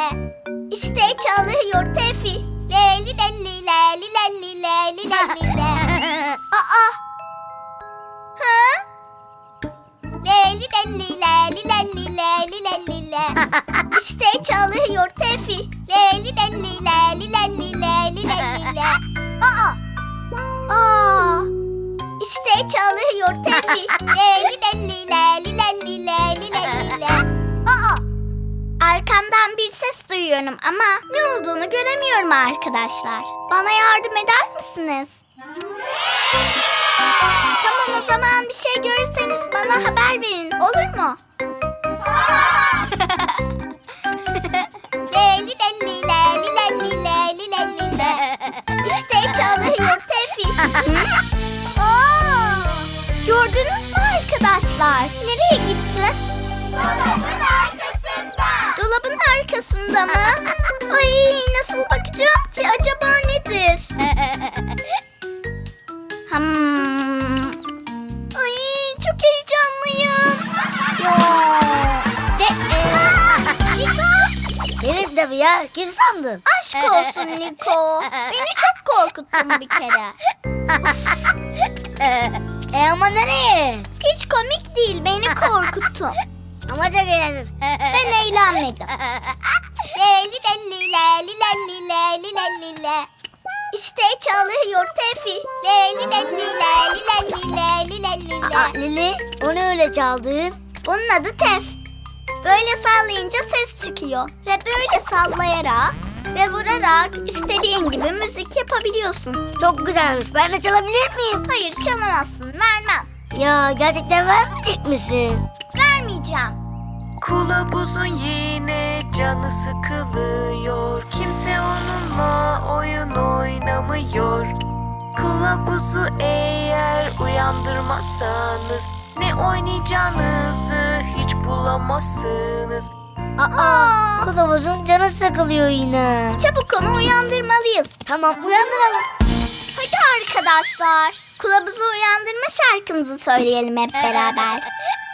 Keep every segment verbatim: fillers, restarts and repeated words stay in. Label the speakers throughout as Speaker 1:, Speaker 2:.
Speaker 1: İşte çalıyor Tefi. Leli leli leli leli leli leli le. Aa. Ha? Leli leli leli leli leli leli le. İşte çalıyor Tefi. Leli leli leli leli leli leli le. Aa. Aa. İşte çalıyor Tefi. Leli leli leli leli leli leli le. Aa. Arkamdan bir ses duyuyorum ama ne olduğunu göremiyorum arkadaşlar. Bana yardım eder misiniz? Tamam, o zaman bir şey görürseniz bana haber verin, olur mu? Leli leli leli leli leli leli le. İşte çalıyor Tefi. Aa, gördünüz mü arkadaşlar? Nereye gitti? Dolabın arkasında. Dolabın arkasında mı? Ay, nasıl bakacağım ki? Acaba nedir? Hmm. Ay, çok heyecanlıyım. Yo. De Niko.
Speaker 2: Benim de bir ya. Kim sandın?
Speaker 1: Aşk olsun Niko. Beni çok korkuttun bir kere.
Speaker 2: E ama nereye?
Speaker 1: Hiç komik değil, beni korkuttun.
Speaker 2: Ama çok eğlendim.
Speaker 1: Ben eğlenmedim. Leli leli leli leli leli leli le. İşte çalıyor Tefi. Leli leli leli leli leli leli
Speaker 2: Aa,
Speaker 1: le.
Speaker 2: Lili, o ne öyle çaldın?
Speaker 1: Bunun adı Tef. Böyle sallayınca ses çıkıyor. Ve böyle sallayarak ve vurarak istediğin gibi müzik yapabiliyorsun.
Speaker 2: Çok güzelmiş. Ben de çalabilir miyim?
Speaker 1: Hayır, çalamazsın, vermem.
Speaker 2: Ya gerçekten vermeyecek misin?
Speaker 1: Vermeyeceğim.
Speaker 3: Kılavuzun yine canı sıkılıyor. Kimse onunla oyun oynamıyor. Kılavuzu eğer uyandırmazsanız ne oynayacağınızı hiç bulamazsınız.
Speaker 2: Aa,
Speaker 1: Aa.
Speaker 2: kılavuzun canı sıkılıyor yine.
Speaker 1: Çabuk onu uyandırmalıyız.
Speaker 2: Tamam, uyandıralım.
Speaker 1: Hadi arkadaşlar, kılavuzu uyandırma şarkımızı söyleyelim hep beraber.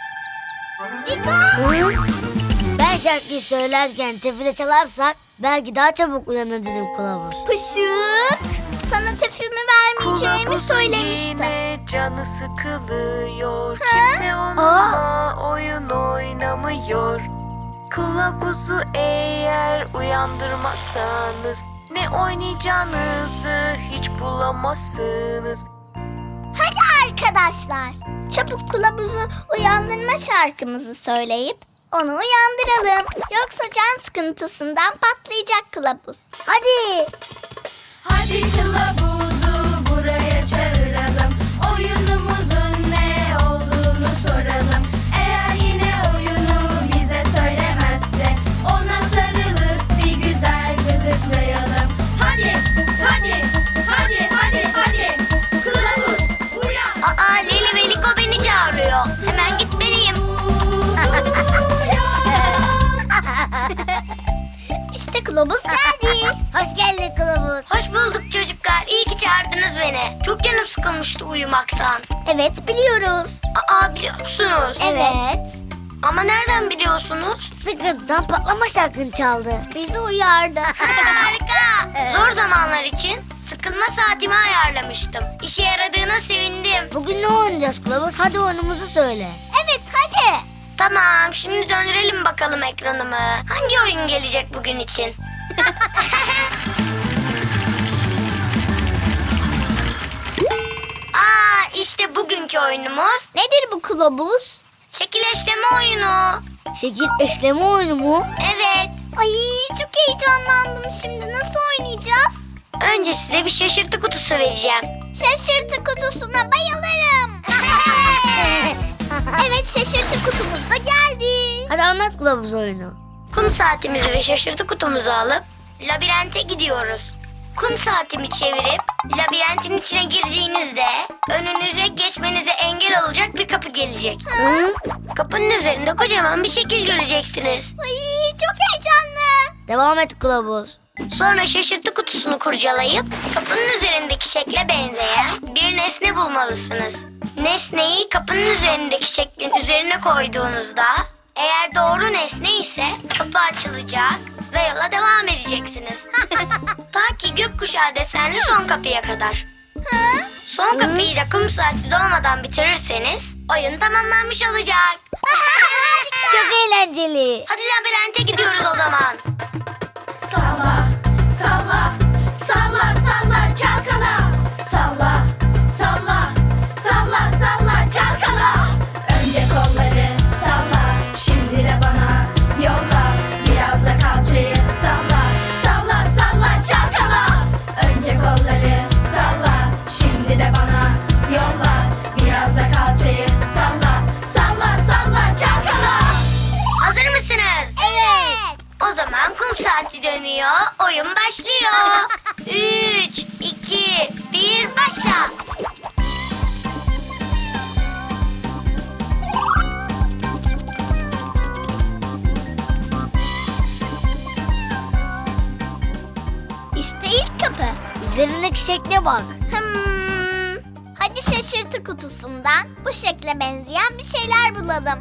Speaker 1: Niko!
Speaker 2: Hı? Ben şarkıyı söylerken tefile çalarsak belki daha çabuk uyanır dedim kılavuz.
Speaker 1: Pışık! Sana tefimi vermeyeceğimi
Speaker 3: Kılavuzun
Speaker 1: söylemiştim.
Speaker 3: yine canı sıkılıyor.
Speaker 1: Ha?
Speaker 3: Kimse onunla oyun oynamıyor. Kılavuzu eğer uyandırmazsanız ne oynayacağınızı hiç bulamazsınız.
Speaker 1: Hadi arkadaşlar, çabuk kılavuzu uyandırma şarkımızı söyleyip onu uyandıralım. Yoksa can sıkıntısından patlayacak kılavuz.
Speaker 2: Hadi.
Speaker 4: Hadi kılavuzu buraya çağıralım. Oyunumuzun ne olduğunu soralım. Eğer yine oyunu bize söylemezse ona sarılıp bir güzel gıdıklayalım. Hadi, hadi, hadi, hadi, hadi. Kılavuz uyan.
Speaker 1: Aa, Leli ve Liko beni çağırıyor. Hemen gitmeliyim. İşte kılavuz geldi.
Speaker 2: Hoş geldin kılavuz.
Speaker 5: Hoş bulduk çocuklar. İyi ki çağırdınız beni. Çok canım sıkılmıştı uyumaktan.
Speaker 1: Evet, biliyoruz.
Speaker 5: Aa, biliyor musunuz?
Speaker 1: Evet.
Speaker 5: Ama nereden biliyorsunuz?
Speaker 2: Sıkıntıdan patlama şarkını çaldı.
Speaker 1: Bizi uyardı.
Speaker 5: Harika. Zor zamanlar için sıkılma saatimi ayarlamıştım. İşe yaradığına sevindim.
Speaker 2: Bugün ne oynayacağız kılavuz? Hadi oyunumuzu söyle.
Speaker 1: Evet, hadi.
Speaker 5: Tamam, şimdi döndürelim bakalım ekranımı. Hangi oyun gelecek bugün için? Aa, işte bugünkü oyunumuz
Speaker 1: Nedir bu kılavuz?
Speaker 5: şekilleştirme oyunu.
Speaker 2: Şekil eşleme oyunu mu?
Speaker 5: Evet.
Speaker 1: Ay, çok heyecanlandım şimdi. Nasıl oynayacağız?
Speaker 5: Önce size bir şaşırtı kutusu vereceğim.
Speaker 1: Şaşırtı kutusuna bayılırım. Evet, şaşırtı kutumuz da geldi.
Speaker 2: Hadi anlat kılavuz oyunu.
Speaker 5: Kum saatimizi ve şaşırtı kutumuzu alıp labirente gidiyoruz. Kum saatimi çevirip labirentin içine girdiğinizde önünüze geçmenize engel olacak bir kapı gelecek.
Speaker 2: Hı?
Speaker 5: Kapının üzerinde kocaman bir şekil göreceksiniz.
Speaker 1: Ay, çok heyecanlı.
Speaker 2: Devam et kılavuz.
Speaker 5: Sonra şaşırtı kutusunu kurcalayıp kapının üzerindeki şekle benzeyen bir nesne bulmalısınız. Nesneyi kapının üzerindeki şeklin üzerine koyduğunuzda eğer doğru nesne ise kapı açılacak ve ve yola devam edeceksiniz. Ta ki gökkuşağı desenli son kapıya kadar. Son kapıyı da kum saati dolmadan bitirirseniz oyun tamamlanmış olacak.
Speaker 2: Çok eğlenceli.
Speaker 5: Hadi labirente gidiyoruz o zaman.
Speaker 4: Salla, salla, salla, salla, çalkala. Salla, salla, salla, salla, çalkala. Önce kolları salla, şimdi de bana yolla. Biraz da kalçayı salla, salla, salla, çalkala. Önce kolları salla, şimdi de bana yolla. Biraz da kalçayı salla, salla, salla, çalkala.
Speaker 5: Hazır mısınız?
Speaker 1: Evet.
Speaker 5: O zaman kum saati dönüyor, oyun başlıyor. Üç, iki, bir, başla.
Speaker 1: İşte ilk kapı.
Speaker 2: Üzerindeki şekle bak.
Speaker 1: Hmm. Hadi şaşırtı kutusundan bu şekle benzeyen bir şeyler bulalım.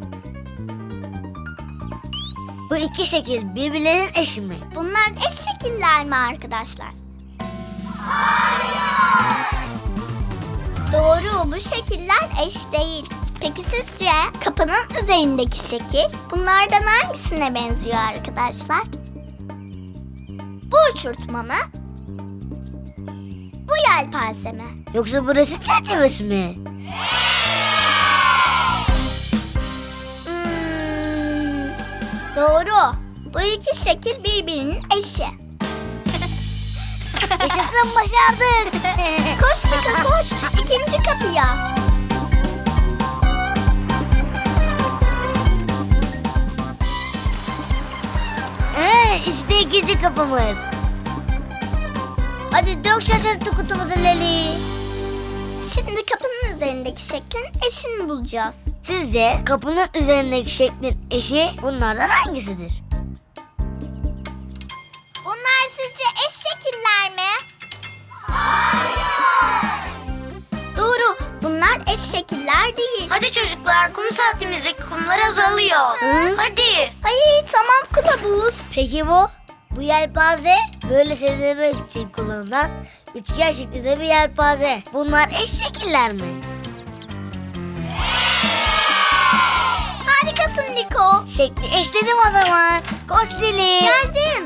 Speaker 2: Bu iki şekil birbirlerinin eşi mi?
Speaker 1: Bunlar eş şekiller mi arkadaşlar? Doğru, bu şekiller eş değil. Peki sizce kapının üzerindeki şekil bunlardan hangisine benziyor arkadaşlar? Bu uçurtma mı? Bu yelpaze mi?
Speaker 2: Yoksa bu resim çerçevesi mi?
Speaker 1: Hmm, doğru. Bu iki şekil birbirinin eşi.
Speaker 2: Yaşasın, başardık.
Speaker 1: Koş Liko koş. İkinci kapıya.
Speaker 2: Ee, işte ikinci kapımız. Hadi dök şaşırtı kutumuzu Leli.
Speaker 1: Şimdi kapının üzerindeki şeklin eşini bulacağız.
Speaker 2: Sizce kapının üzerindeki şeklin eşi bunlardan hangisidir?
Speaker 1: Bunlar sizce eş şekiller mi? Doğru. Bunlar eş şekiller değil.
Speaker 5: Hadi çocuklar, kum saatimizdeki kumlar azalıyor.
Speaker 2: Hı?
Speaker 5: Hadi.
Speaker 1: Ay tamam kılavuz.
Speaker 2: Peki bu? Bu yelpaze böyle serinlemek için kullanılan üçgen şeklinde bir yelpaze. Bunlar eş şekiller mi?
Speaker 1: Harikasın Liko.
Speaker 2: Şekli eşledim o zaman. Koş Leli.
Speaker 1: Geldim.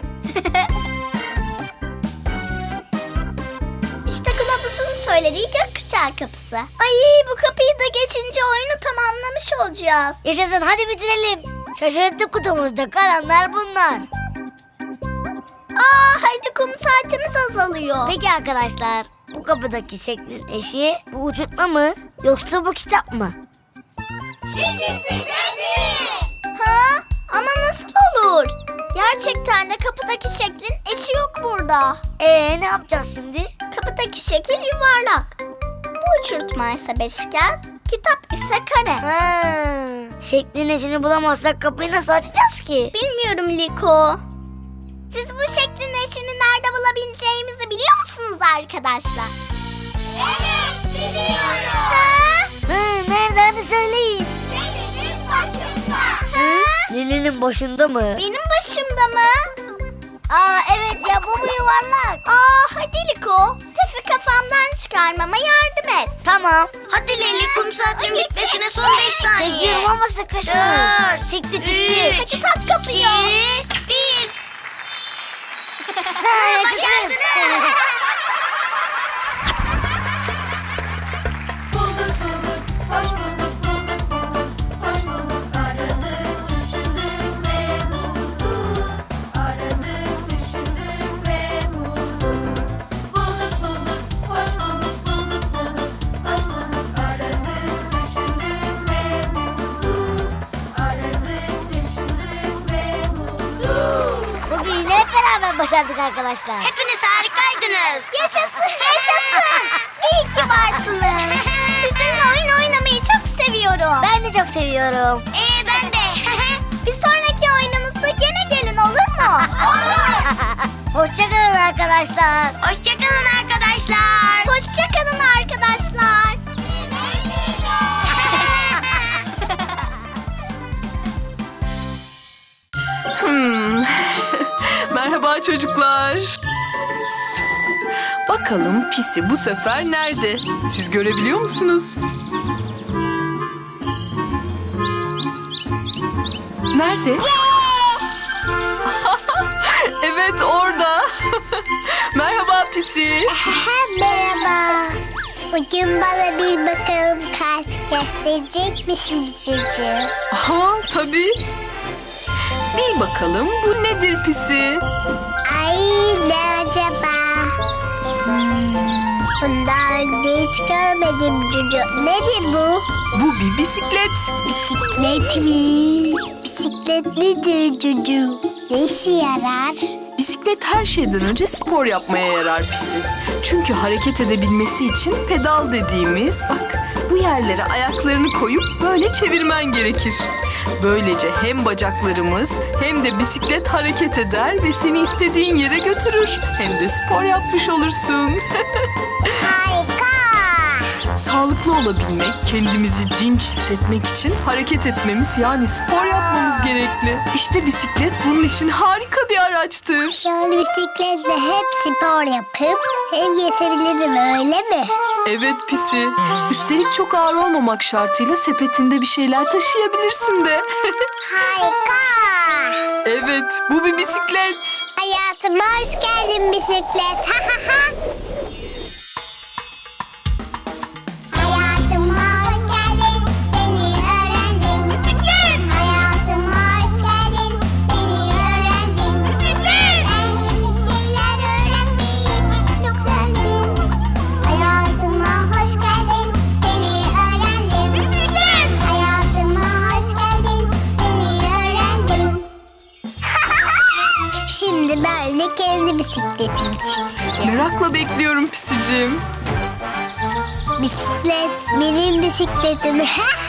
Speaker 1: İşte kılavuzun söylediği gökkuşağı kapısı. Ay bu kapıyı da geçince oyunu tamamlamış olacağız.
Speaker 2: Yaşasın, hadi bitirelim. Şaşırtı kutumuzda kalanlar bunlar.
Speaker 1: Aa hadi kum saatimiz azalıyor.
Speaker 2: Peki arkadaşlar, bu kapıdaki şeklin eşi bu uçurtma mı yoksa bu kitap mı?
Speaker 1: Ha? Ama nasıl olur? Gerçekten de kapıdaki şeklin eşi yok burada.
Speaker 2: Ee ne yapacağız şimdi?
Speaker 1: Kapıdaki şekil yuvarlak. Bu uçurtma ise beşgen, kitap ise kare.
Speaker 2: Ha, şeklin eşini bulamazsak kapıyı nasıl açacağız ki?
Speaker 1: Bilmiyorum Liko. Siz bu şeklin eşini nerede bulabileceğimizi biliyor musunuz arkadaşlar? Evet biliyorum. Ha?
Speaker 2: Hı, nerede, hadi söyleyin.
Speaker 1: Benim başımda.
Speaker 2: Hı? Lili'nin başında mı?
Speaker 1: Benim başımda mı?
Speaker 2: Aa evet ya, bu mu yuvarlak?
Speaker 1: Aa hadi Liko. Tefi kafamdan çıkarmama yardım et.
Speaker 2: Tamam.
Speaker 5: Hadi Leli, kum saatinin bitmesine son beş saniye.
Speaker 2: Çekiyorum ama sıkışmış.
Speaker 5: Dört,
Speaker 2: Çıktı çıktı.
Speaker 5: üç,
Speaker 1: Hadi tak kapıyı.
Speaker 5: iki, bir.
Speaker 2: Ha, yaşasın.
Speaker 4: Bulduk bulduk, hoş bulduk, bulduk bulduk, hoş bulduk. Aradık, düşündük ve bulduk. Aradık, düşündük ve bulduk. Bulduk bulduk, hoş bulduk, bulduk bulduk, hoş bulduk. Aradık, düşündük ve bulduk. Aradık, düşündük ve bulduk.
Speaker 2: Bugün yine hep beraber başardık arkadaşlar.
Speaker 5: Hepiniz harikaydınız.
Speaker 1: Yaşasın yaşasın. İyi ki varsınız. Sizinle oyun oynamayı çok seviyorum.
Speaker 2: Ben de çok seviyorum.
Speaker 5: Ee ben de.
Speaker 1: Bir sonraki oyunumuzda gene gelin olur mu? Olur.
Speaker 2: Hoşçakalın arkadaşlar.
Speaker 5: Hoşçakalın arkadaşlar.
Speaker 1: Hoşçakalın arkadaşlar.
Speaker 3: Hmm.
Speaker 6: Merhaba çocuklar. Bakalım Pisi bu sefer nerede? Siz görebiliyor musunuz? Nerede? Evet orada. Merhaba Pisi.
Speaker 1: Merhaba. Bugün bana bir bakalım kart gösterecek misin çocuğum?
Speaker 6: Aha tabii. Bil bakalım bu nedir Pisi?
Speaker 1: Ay ne acaba? Hmm, bundan önce hiç görmedim çocuğum. Nedir bu?
Speaker 6: Bu bir bisiklet.
Speaker 1: Bisiklet mi? Bisiklet nedir çocuğum? Ne işe yarar?
Speaker 6: Bisiklet her şeyden önce spor yapmaya yarar Pisi. Çünkü hareket edebilmesi için pedal dediğimiz, bak bu yerlere ayaklarını koyup böyle çevirmen gerekir. Böylece hem bacaklarımız hem de bisiklet hareket eder ve seni istediğin yere götürür. Hem de spor yapmış olursun.
Speaker 1: Harika.
Speaker 6: Sağlıklı olabilmek, kendimizi dinç hissetmek için hareket etmemiz yani spor yapmamız gerekli. İşte bisiklet bunun için harika bir araçtır.
Speaker 1: Yani bisikletle hep spor yapıp hem gezebilirim öyle mi?
Speaker 6: Evet Pisi. Üstelik çok ağır olmamak şartıyla sepetinde bir şeyler taşıyabilirsin de.
Speaker 1: Harika.
Speaker 6: Evet, bu bir bisiklet.
Speaker 1: Hayatıma hoş geldin bisiklet. Ha ha ha. Hayatıma hoş geldin, seni öğrendim. Bisiklet. Hayatıma hoş geldin, seni öğrendim. Bisiklet. Ben yeni şeyler öğrenmeyi çok sevdim. Hayatıma hoş geldin, seni öğrendim. Bisiklet. Hayatıma hoş geldin, seni öğrendim. Şimdi ben de kendi bisikletimi çizeceğim.
Speaker 6: Merakla bekliyorum Pisicim.
Speaker 1: Bisiklet benim bisikletim.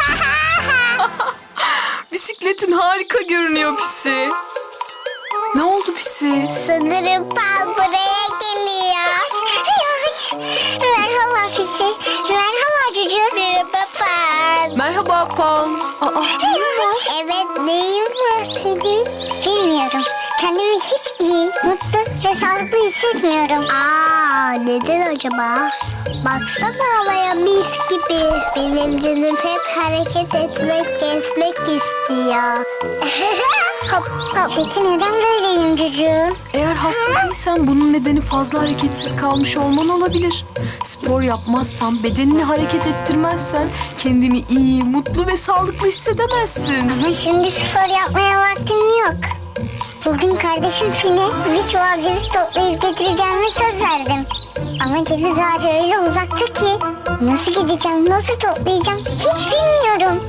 Speaker 6: Bisikletin harika görünüyor Pisi. Ne oldu Pisi?
Speaker 1: Sanırım Pan buraya geliyor. Merhaba Fisi. Merhaba çocuğum. Merhaba Pan.
Speaker 6: Merhaba Pan. Aa,
Speaker 1: Evet neyin var senin? Bilmiyorum. Kendimi hiç iyi, mutlu ve sağlıklı hissetmiyorum. Aa, neden acaba? Baksana havaya mis gibi. Benim canım hep hareket etmek, gezmek istiyor. hop hop. Peki neden böyleyim çocuğum?
Speaker 6: eğer hasta değilsen bunun nedeni fazla hareketsiz kalmış olman olabilir. Spor yapmazsan, bedenini hareket ettirmezsen kendini iyi, mutlu ve sağlıklı hissedemezsin.
Speaker 1: Ama şimdi spor yapmaya vaktim yok. Bugün kardeşim Fine bir çuval ceviz toplayıp getireceğime söz verdim. Ama ceviz ağacı öyle uzakta ki nasıl gideceğim, nasıl toplayacağım hiç bilmiyorum.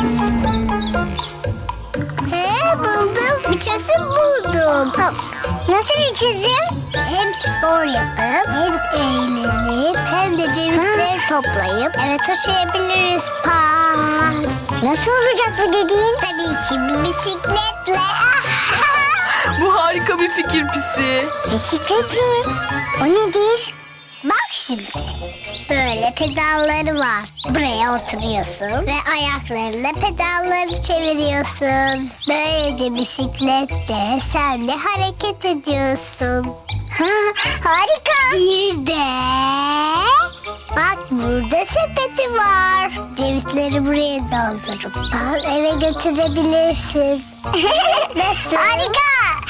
Speaker 1: He buldum, bir çözüm buldum. Nasıl bir çözüm? Hem spor yapıp hem eğlenip hem de cevizleri toplayıp eve taşıyabiliriz. Pan. Nasıl olacak bu dediğin? Tabii ki bir bisikletle.
Speaker 6: Bu harika bir fikir Pisi.
Speaker 1: Bisiklet mi? O nedir? Bak şimdi. Böyle pedalları var. Buraya oturuyorsun ve ayaklarınla pedalları çeviriyorsun. Böylece bisiklette sen de hareket ediyorsun. Ha, harika. Bir de bak burada sepeti var. Cevizleri buraya doldurup al eve götürebilirsin. Nasıl? Harika.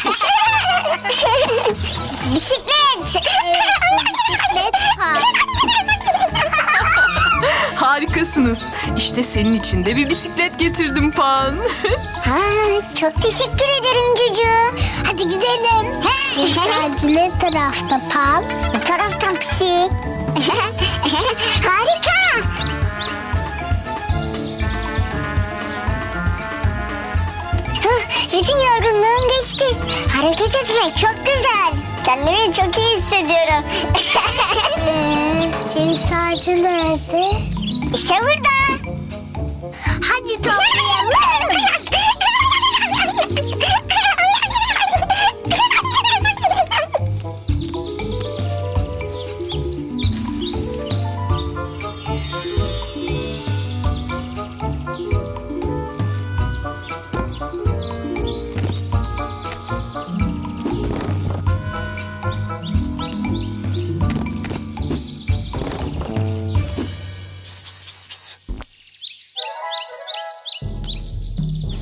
Speaker 1: Bisiklet. Evet, bu bisiklet var.
Speaker 6: Harikasınız. İşte senin için de bir bisiklet getirdim Pan.
Speaker 1: Ha, çok teşekkür ederim çocuğum. Hadi gidelim. Bisikletçi ne tarafta Pan? Bu taraftan Pisi. Harika. Bütün yorgunluğum geçti. Hareket etmek çok güzel. Kendimi çok iyi hissediyorum. Ee, ceviz ağacı nerede? İşte burada. Hadi toplayalım.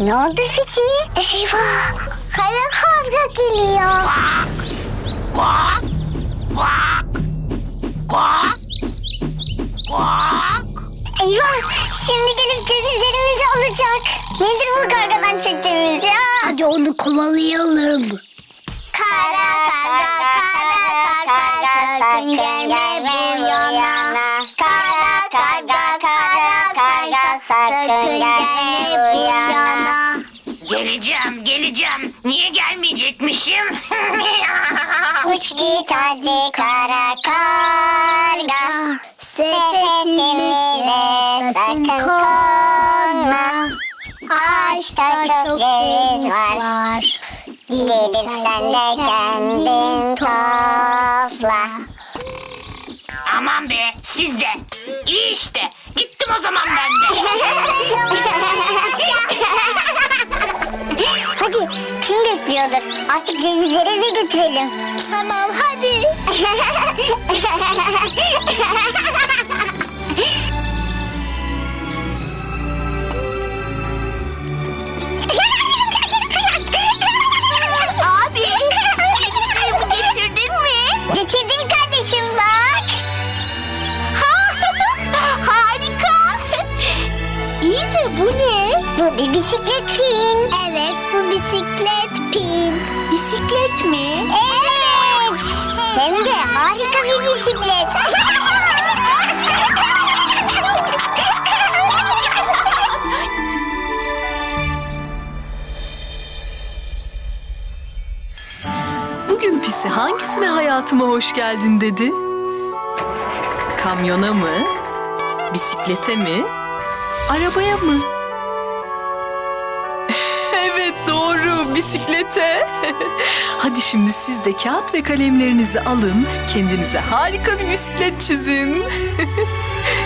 Speaker 1: Ne oldu Fisi? Eyvah! Kara karga geliyor. Eyvah! Şimdi gelip cevizlerimizi alacak. Nedir bu kargadan çektiğimiz ya?
Speaker 2: Hadi onu kovalayalım.
Speaker 1: Kara karga, kara karga, sakın gelme bu yana. Kara karga, kara karga, sakın gelme bu yana.
Speaker 5: Geleceğim, geleceğim. Niye gelmeyecekmişim?
Speaker 1: Uç git hadi kara karga, sepetimize sakın konma. Ağaçta çok ceviz var, gidip sen de kendin topla.
Speaker 5: Aman be, siz de. İyi işte. Gittim o zaman ben de.
Speaker 1: Hadi kim bekliyordur? Artık cevizleri eve götürelim. Tamam hadi. Abi cevizlerimi getirdin mi? Getirdim kardeşim bak. Harika. İyi de bu ne? Bu bir bisiklet pin. Evet, bu bisiklet pin. Bisiklet mi? Evet. Hem de harika bir bisiklet.
Speaker 6: Bugün Pisi hangisine hayatıma hoş geldin dedi? Kamyona mı? Bisiklete mi? Arabaya mı? Evet doğru, bisiklete. Hadi şimdi siz de kağıt ve kalemlerinizi alın, kendinize harika bir bisiklet çizin.